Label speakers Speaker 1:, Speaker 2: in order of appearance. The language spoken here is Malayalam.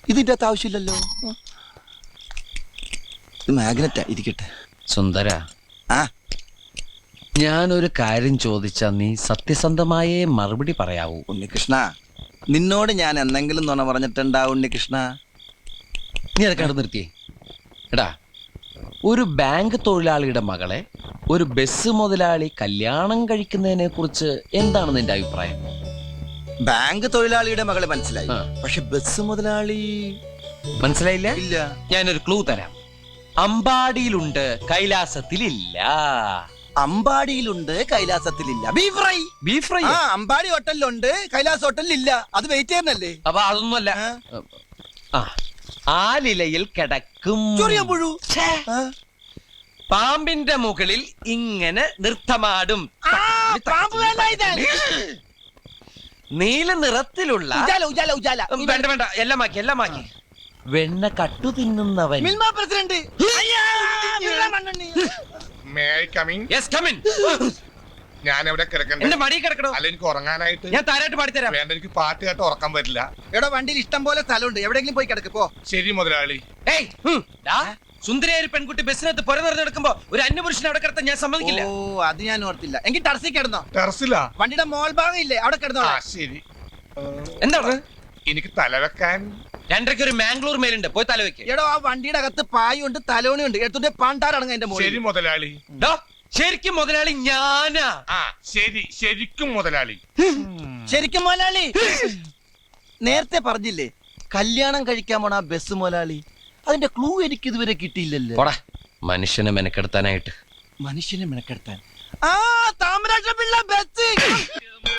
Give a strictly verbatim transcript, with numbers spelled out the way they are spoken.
Speaker 1: ഇതിന്റെ അകത്ത് ആവശ്യമില്ലല്ലോ. ഇത് മാഗ്നറ്റാ, ഇരിക്കട്ടെ.
Speaker 2: സുന്ദര,
Speaker 1: ആ
Speaker 2: ഞാനൊരു കാര്യം ചോദിച്ചാ നീ സത്യസന്ധമായേ മറുപടി പറയാവൂ.
Speaker 1: ഉണ്ണികൃഷ്ണ, നിന്നോട് ഞാൻ എന്തെങ്കിലും നുണ പറഞ്ഞിട്ടുണ്ടാ ഉണ്ണികൃഷ്ണ?
Speaker 2: നീ അതൊക്കെ അവിടെ നിർത്തിയേ. എടാ, ഒരു ബാങ്ക് തൊഴിലാളിയുടെ മകളെ ഒരു ബസ് മുതലാളി കല്യാണം കഴിക്കുന്നതിനെ കുറിച്ച് എന്താണ് നിന്റെ അഭിപ്രായം?
Speaker 1: ബാങ്ക് തൊഴിലാളിയുടെ മകളെ മനസ്സിലായി,
Speaker 2: ആ.
Speaker 1: പക്ഷെ ബസ് മുതലാളി
Speaker 2: മനസ്സിലായില്ല?
Speaker 1: ഇല്ല.
Speaker 2: ഞാനൊരു ക്ലൂ തരാം. അമ്പാടിയിലുണ്ട്, കൈലാസത്തിലില്ല.
Speaker 1: അമ്പാടിയിലുണ്ട്, കൈലാസത്തിലില്ല. Beef fry.
Speaker 2: Beef fry.
Speaker 1: ആ, അമ്പാടി ഹോട്ടലിലുണ്ട്, കൈലാസ് ഹോട്ടലിലില്ല. അത് വെയിറ്റ് ചെയ്യുന്നല്ലേ?
Speaker 2: അപ്പൊ അതൊന്നുമല്ല.
Speaker 1: ആ.
Speaker 2: ആ, ആലിലയിൽ കിടക്കും.
Speaker 1: ചൊറിയാൻ പുഴു.
Speaker 2: ഛേ,
Speaker 1: ആ.
Speaker 2: പാമ്പിന്റെ മുകളിൽ ഇങ്ങനെ നൃത്തമാടും. നീല നിറത്തിലുള്ള
Speaker 1: ഉജാല, ഉജാല, ഉജാല.
Speaker 2: വേണ്ട വേണ്ട, എല്ലാം മാക്കി എല്ലാം മാക്കി. വെണ്ണ കട്ടു തിന്നുന്നവൻ.
Speaker 1: Milma president.
Speaker 3: May I come in?
Speaker 2: Yes, come in.
Speaker 3: ഞാൻ എവിടെ കിടക്കണ്ടേ?
Speaker 2: എന്റെ മടി കിടക്കണോ?
Speaker 3: അല്ല, എനിക്ക് ഉറങ്ങാനായിട്ട്.
Speaker 2: ഞാൻ താരായിട്ട് പാടിത്തരാം.
Speaker 3: വേണ്ട, എനിക്ക് പാട്ട് കേട്ട് ഉറക്കം വരില്ല.
Speaker 1: എവിടെ വണ്ടിയിൽ ഇഷ്ടം പോലെ സ്ഥലമുണ്ട്, എവിടെയെങ്കിലും പോയി കിടക്ക് പോ.
Speaker 3: ശരി മുതലാളി.
Speaker 2: ഏയ്, ഹും, ഡാ, സുന്ദരിയായ ഒരു പെൺകുട്ടി ബസ്സിനകത്ത് പുര നിറഞ്ഞെടുക്കുമ്പോ ഒരു അന്യപുരുഷനെ അവിടെ കിടത്താൻ ഞാൻ സമ്മതിക്കില്ല.
Speaker 1: ഓ, അത് ഞാൻ ഓർത്തില്ല. എങ്കിൽ ടർസി കിടന്നോ.
Speaker 3: ടെറസിലാ?
Speaker 1: വണ്ടിയുടെ മോൾ ഭാഗം ഇല്ലേ, അവിടെ കിടന്നോ.
Speaker 3: ആ ശരി.
Speaker 2: എന്താണ്?
Speaker 3: എനിക്ക് തലവെക്കാൻ
Speaker 2: രണ്ടരയ്ക്ക് ഒരു മാംഗ്ലൂർ മേലുണ്ട്, പോയി തലവെക്ക്.
Speaker 1: എടോ, ആ വണ്ടിയുടെ അകത്ത് പായുണ്ട്, തലോണിയുണ്ട്. എടുത്തിട്ട് പാണ്ടാറടങ്ങ എന്റെ മോളിൽ.
Speaker 3: ശരി മുതലാളി.
Speaker 2: ഡോ, ശരിക്കും മുതലാളി ഞാനാ.
Speaker 3: ആ ശരി, ശരിക്കും മുതലാളി.
Speaker 1: ശരിക്കും മുതലാളി. നേരത്തെ പറഞ്ഞില്ലേ കല്യാണം കഴിക്കാൻ പോണ ആ ബസ് മുതലാളി? അതിന്റെ ക്ലൂ എനിക്ക് ഇതുവരെ കിട്ടിയില്ലല്ലോ.
Speaker 2: പോടാ, മനുഷ്യനെ മെനക്കെടുത്താനായിട്ട്.
Speaker 1: മനുഷ്യനെ മെനക്കെടുത്താൻ. ആ, താമരാക്ഷ പിള്ള ബസ്.